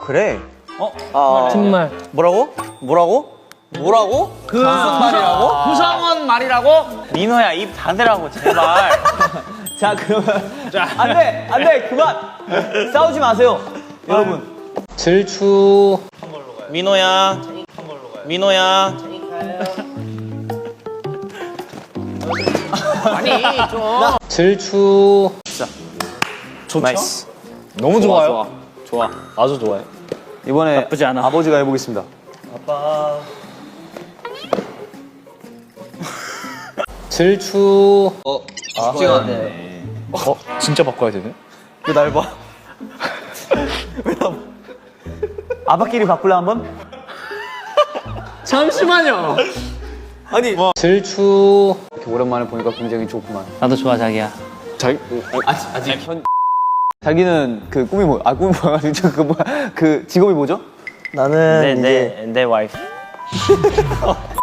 그래? 정말. 뭐라고? 그 무슨 말이라고? 구성원 말이라고? 민호야 입 닫으라고 제발. 자 그러면 안돼 그만 싸우지 마세요 여러분. 질추. 민호야. 아니 좀. 질추. 좋죠? 나이스. 너무 좋아요. 좋아. 아주 좋아해. 이번에 나쁘지 않아. 아버지가 해보겠습니다. 아빠. 질추. 쉽지가 않네. 진짜 바꿔야 되네? 왜 날 봐? 왜 나 봐? 아빠끼리 바꿀래 한번? 잠시만요. 아니 질추. 이렇게 오랜만에 보니까 굉장히 좋구만. 나도 좋아 자기야. 아직 자기는 그 꿈이 뭐야? 아 꿈이 뭐야? 그 뭐야? 그 직업이 뭐죠? 나는 내 와이프.